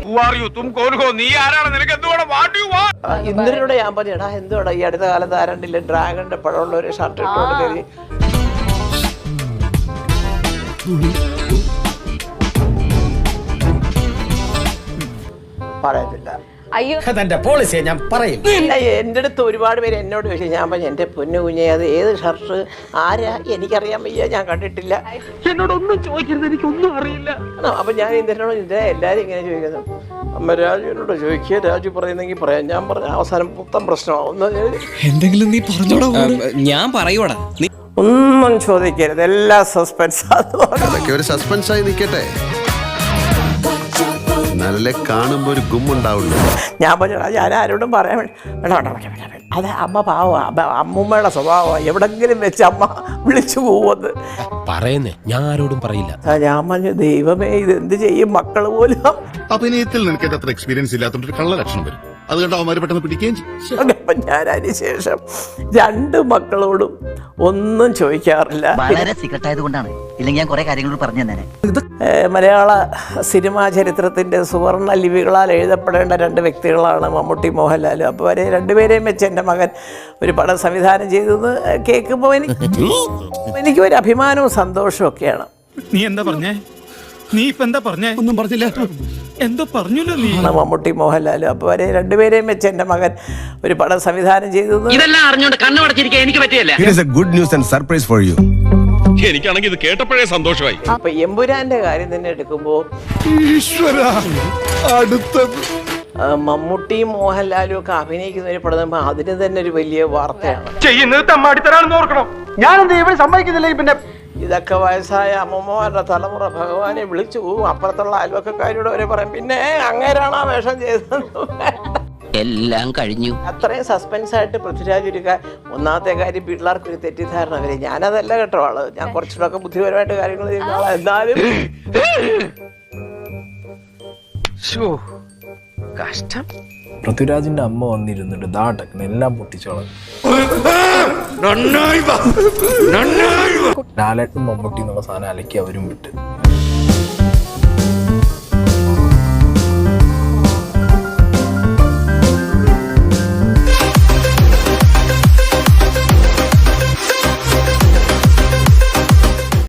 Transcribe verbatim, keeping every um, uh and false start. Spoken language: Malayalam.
ഇന്ദ്രനോട് ഞാൻ പറഞ്ഞു എടാ എന്തുവാടാ ഈ അടുത്ത കാലത്ത് ആരണ്ടില്ല ഡ്രാഗണിന്റെ പഴമുള്ള ഒരു ഷർട്ട് ഇട്ടോണ്ട് കയറി പറയത്തില്ല. അയ്യോ പോളിസിയെ ഞാൻ പറയും. എൻ്റെ അടുത്ത് ഒരുപാട് പേര് എന്നോട് ചോദിച്ചു. ഞാൻ പറഞ്ഞു എൻ്റെ പൊന്നു കുഞ്ഞെ അത് ഏത് ഷർട്ട് ആരാ എനിക്കറിയാൻ വയ്യ, ഞാൻ കണ്ടിട്ടില്ല, എന്നോടൊന്നും ചോദിക്കരുത്, എനിക്കൊന്നും അറിയില്ല. അപ്പം ഞാൻ ഇന്ദ്രനോട് ഇന്ദ്ര എല്ലാവരും ഇങ്ങനെ ചോദിക്കുന്നു. അമ്മ രാജുവിനോട് ചോദിക്കുക, രാജു പറയുന്നെങ്കിൽ പറയാം. ഞാൻ പറഞ്ഞ അവസാനം മൊത്തം പ്രശ്നമാവും. എന്തെങ്കിലും നീ പറഞ്ഞോടാ. ഞാൻ പറയൂടാ, ഒന്നും ചോദിക്കരുത്, എല്ലാ സസ്പെൻസ്. ഒരു സസ്പെൻസായി നിൽക്കട്ടെ, നല്ല കാണുമ്പോ ഒരു ഗുമ്മുണ്ടാവുള്ളൂ. ഞാൻ പറഞ്ഞു ഞാൻ ആരോടും പറയാൻ വേണ്ടി അത് അമ്മ പാവമാണ്, അമ്മൂമ്മയുടെ സ്വഭാവമാണ്, എവിടെങ്കിലും വെച്ച് അമ്മ വിളിച്ചു പോവത് പറയുന്നേ, ഞാൻ ആരോടും പറയില്ല. ഞാൻ പറഞ്ഞു ദൈവമേ ഇത് എന്ത് ചെയ്യും, മക്കള് പോലും. അഭിനയത്തിൽ നിനക്ക് അത്ര എക്സ്പീരിയൻസ് ഇല്ലാത്തതുകൊണ്ട് കള്ള ലക്ഷണം വരും, അതുകൊണ്ട് അവന്മാര് പെട്ടെന്ന് പിടിക്കുകയും ചെയ്യും. അപ്പം ഞാൻ അതിന് ശേഷം രണ്ട് മക്കളോടും ഒന്നും ചോദിക്കാറില്ല. വളരെ സീക്രട്ട് ആയതുകൊണ്ടാണ്, ഇല്ലെങ്കിൽ ഞാൻ കുറെ കാര്യങ്ങളോട് പറഞ്ഞു തന്നെ. മലയാള സിനിമാ ചരിത്രത്തിന്റെ സുവർണ ലിപികളാൽ എഴുതപ്പെടേണ്ട രണ്ട് വ്യക്തികളാണ് മമ്മൂട്ടി മോഹൻലാലും. അപ്പോൾ അവരെ രണ്ടുപേരെയും വെച്ച് എൻ്റെ മകൻ ഒരു പടം സംവിധാനം ചെയ്തെന്ന് കേൾക്കുമ്പോൾ എനിക്ക് എനിക്ക് ഒരു അഭിമാനവും സന്തോഷവും ഒക്കെയാണ്. നീ എന്താ പറഞ്ഞേ? നീ ഇപ്പൊ എന്താ പറഞ്ഞേ? ഒന്നും പറഞ്ഞില്ല. എന്തോ പറഞ്ഞല്ലോ നീ. മമ്മൂട്ടി മോഹൻലാലും. അപ്പോൾ അവരെ രണ്ടുപേരെയും വെച്ച് എൻ്റെ മകൻ ഒരു പടം സംവിധാനം ചെയ്തെന്ന് ഇതെല്ലാം അറിഞ്ഞുകൊണ്ട് കണ്ണു അടച്ചിരിക്കാൻ എനിക്ക് പറ്റിയല്ല. Good news and surprise for you. എനിക്കാണെങ്കിൽ ഇത് കേട്ടപ്പോഴേ സന്തോഷമായി. അപ്പൊ എമ്പുരാന്റെ കാര്യം തന്നെ എടുക്കുമ്പോ മമ്മൂട്ടിയും മോഹൻലാലും ഒക്കെ അഭിനയിക്കുന്ന ഒരു പടം അതിന് തന്നെ ഒരു വലിയ വാർത്തയാണ്. ചെയ്യുന്നത് തമ്മാടിത്തരാണെന്ന് ഓർക്കണം. ഞാനെന്താ ഇവിടെ സമ്മതിക്കുന്നില്ല. പിന്നെ ഇതൊക്കെ വയസ്സായ അമ്മമ്മമാരുടെ തലമുറ ഭഗവാനെ വിളിച്ചു പോവും. അപ്പുറത്തുള്ള അയൽവക്കക്കാരോട് വരെ പറയും പിന്നെ അങ്ങേരാണ് ആ വേഷം ചെയ്തത്. എല്ലാം കഴിഞ്ഞു. അത്രയും സസ്പെൻസ് ആയിട്ട് പൃഥ്വിരാജ് ഒരു ഒന്നാമത്തെ കാര്യം പിള്ളേർക്ക് ഒരു തെറ്റിദ്ധാരണ വരെ. ഞാനതല്ല കേട്ടോ ആള്, ഞാൻ കുറച്ചുകൂടെ ബുദ്ധിപരമായിട്ട് കാര്യങ്ങൾ ചെയ്യുന്ന ആളാണ്. എന്നാലും കഷ്ടം. പൃഥ്വിരാജിന്റെ അമ്മ വന്നിരുന്നിട്ട് ദാട്ടക്ക് എല്ലാം പൊട്ടിച്ചോളാം. ലാലേട്ടും മമ്മൂട്ടി എന്നുള്ള സാധനം അലക്കി അവരും വിട്ട്.